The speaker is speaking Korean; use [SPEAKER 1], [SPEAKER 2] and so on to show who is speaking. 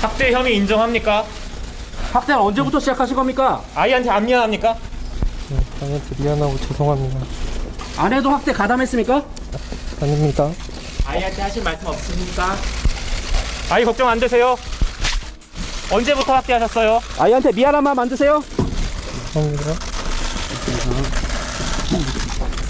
[SPEAKER 1] 학대 혐의 인정합니까?
[SPEAKER 2] 학대는 언제부터 시작하신 겁니까?
[SPEAKER 1] 아이한테 안 미안합니까?
[SPEAKER 3] 아이한테 미안하고 죄송합니다.
[SPEAKER 2] 아내도 학대 가담했습니까?
[SPEAKER 3] 아닙니다.
[SPEAKER 1] 아이한테 하실 말씀 없습니까? 아이 걱정 안 되세요? 언제부터 학대하셨어요?
[SPEAKER 2] 아이한테 미안한 마음 안 드세요?
[SPEAKER 3] 죄송합니다.